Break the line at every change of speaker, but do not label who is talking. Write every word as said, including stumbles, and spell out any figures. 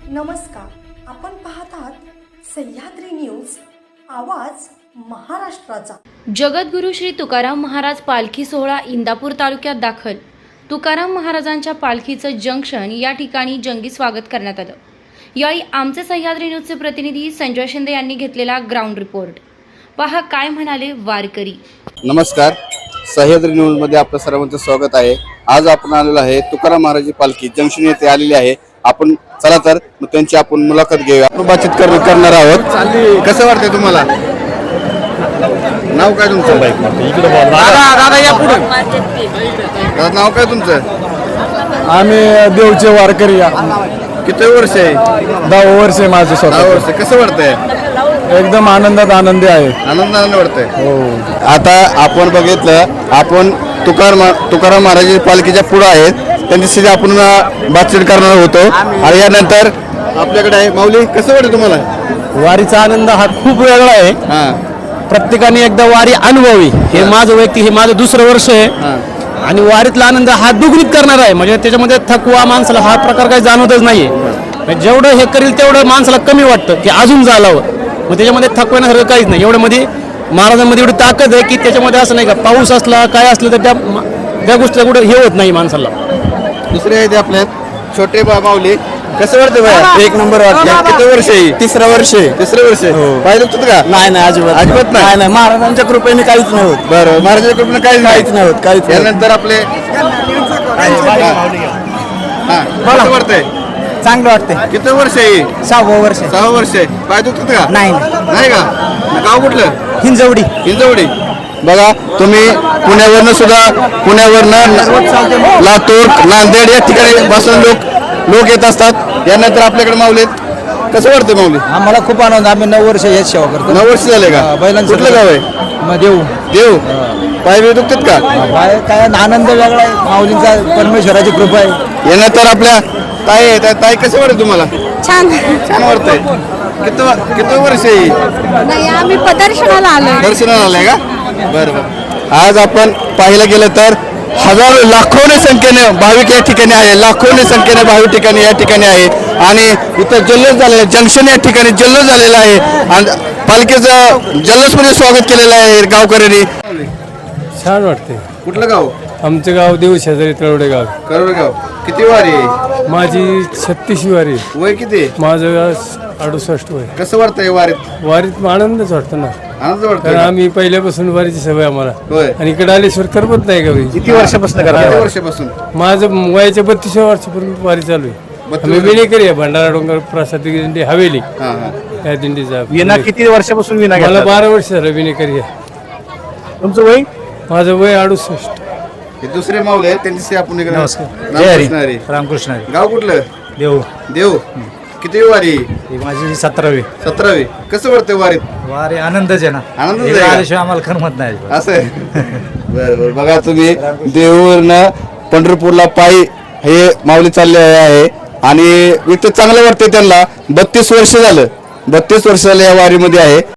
नमस्कार, आपण पाहत आहात सह्याद्री न्यूज, आवाज महाराष्ट्राचा।
जगद्गुरू श्री तुकाराम महाराज पालखी सोहळा इंदापूर तालुक्यात दाखल। तुकाराम महाराजांच्या पालखीचं जंक्शन या ठिकाणी जंगी स्वागत करण्यात आलं। यावेळी आमचे सह्याद्री न्यूजचे प्रतिनिधी संजय शिंदे यांनी घेतलेला ग्राउंड रिपोर्ट। पहा काय म्हणाले वारकरी।
नमस्कार, सह्याद्री न्यूज मध्ये आपलं सर्वांचं स्वागत आहे। आज आपण आलेलो आहे तुकाराम महाराजांची पालखी जंक्शन येथे आलेली आहे। आपण चला तर मग त्यांची आपण मुलाखत घेऊया, आपण बातचीत करणार आहोत। कसं वाटतंय तुम्हाला? नाव काय तुमचं? दादा दादा या पुढे। दादा नाव काय तुमचं?
आम्ही देवचे वारकरी।
किती वर्ष आहे?
दहा वर्ष आहे माझे स्वतः।
दहा वर्ष। कसं वाटतंय?
एकदम आनंदात आनंदी आहे।
आनंद आनंद वाटतंय।
हो,
आता आपण बघितलं, आपण तुकाराम तुकाराम महाराजांच्या पालखीच्या पुढे आहेत, त्यांच्याशी आपण बातचीत करणार होतो। आणि यानंतर आपल्याकडे आहे माऊली। कसं वाटतं तुम्हाला?
वारीचा आनंद हा खूप वेगळा आहे।
हा,
प्रत्येकाने एकदा वारी अनुभवी। हे माझं व्यक्ती हे माझं दुसरं वर्ष आहे आणि वारीतला आनंद हा दुगणीत करणार आहे। म्हणजे त्याच्यामध्ये थकवा माणसाला हा प्रकार काही जाणवतच नाहीये। जेवढं हे करील तेवढं माणसाला कमी वाटतं की अजून जालावं। मग त्याच्यामध्ये थकवण्यासारखं काहीच नाही। एवढं मध्ये महाराजांमध्ये एवढी ताकद आहे की त्याच्यामध्ये असं नाही का पाऊस असला काय असलं तर त्या त्या गोष्टीला कुठं हे होत नाही माणसाला।
दुसरे आहे ते आपल्या छोटे बा माऊली। कसं वाटतं बाया?
एक नंबर वाटतं।
किती वर्ष आहे?
तिसरं वर्ष आहे।
तिसरं वर्ष आहे। पाहिलं होतं का?
नाही नाही, अजिबात
अजिबात नाही।
नाही, महाराजांच्या कृपेने काहीच नाही होत।
बरं, महाराजांच्या कृपेने काहीच
काहीच नाही होत, काहीच नाही।
यानंतर आपले हा, कसं वाटतंय?
चांगलं वाटतंय।
किती वर्ष आहे?
सहावं वर्ष
सहा वर्ष आहे। पाय दुखतात का?
नाही
नाही का? गाव कुठलं?
हिंजवडी।
हिंजवडी। बघा तुम्ही पुण्यावरनं सुद्धा पुण्यावरनं लातूर नांदेड या ठिकाणी बसून लोक लोक येत असतात। यानंतर आपल्याकडे माऊली आहेत। कसं वाटतं माऊली?
आम्हाला खूप आनंद। आम्ही नऊ वर्ष हेच सेवा करतो।
नऊ वर्ष झाले का?
बैलांचं
कुठलं गाव आहे?
मग देऊ
देव। पाय बी दुखतात का?
काय काय आनंद वेगळा आहे। माऊलींचा परमेश्वराची कृपा आहे।
यानंतर आपल्या ताई आहे। त्या ताई कसं वाटतं तुम्हाला?
छान
छान वाटतंय। किती किती वर्ष आहे?
नाही, आम्ही प्रदर्शनाला आलोय।
दर्शनाला आलंय का? बरं बरं। आज आपण पाहायला गेलं तर हजारो लाखोने संख्येने भाविक या ठिकाणी आहे। लाखोने संख्येने भाविक ठिकाणी या ठिकाणी आहे आणि इथं जल्लोष झालेला जंक्शन या ठिकाणी जल्लोष झालेला आहे आणि पालखीचं जल्लोषमध्ये स्वागत केलेलं आहे गावकऱ्यांनी।
छान वाटते।
कुठलं गाव?
आमचं गाव देऊ शेजारी तळवडे गाव।
करोड गाव। किती वारी आहे?
माझी छत्तीसवी वारी।
वय किती?
माझं अडुसष्ट वय।
कसं वाटतंय वारीत?
वारीत आनंदच वाटतो ना,
आनंद
कारण
वाटतोय?
आम्ही पहिल्यापासून वारीची सवय आम्हाला।
होय।
आणि इकडे आल्याशिवाय करमत नाही का?
किती वर्षापासून किती वर्षापासून?
माझं वयाच्या बत्तीसव्या वर्षापर्यंत वारी चालू आहे। आम्ही विनेकरी आहे, भंडारा डोंगर प्रसाद दिंडी हवेली
हा हा।
त्या दिंडीचा।
विना किती वर्षापासून विना
मला
घेतला?
बारा वर्ष झालं विनेकरी आहे।
तुमचं वय?
माझं वय अडुसष्ट।
हे दुसरे माऊली आहेत, त्यांच्याशी आपण इकडे-
नमस्कार।
रामकृष्ण हरी।
रामकृष्ण हरी।
गाव कुठलं?
देव।
देव। किती वारी?
ही माझी सतरावी
सतरावी। कसं वाटतंय वारीत?
वारे आनंदच आहे ना।
आनंदच आहे
इकडे
का?
आल्याशिवाय आम्हाला करमत नाही अजिबात।
असं आहे। बरं बरं। बघा तुम्ही देऊरनं पंढरपूरला पायी हे माऊली चालले आहे आणि इथं चांगलं वाटतंय त्यांना। बत्तीस वर्ष झालं बत्तीस वर्ष झालं या वारीमध्ये आहे।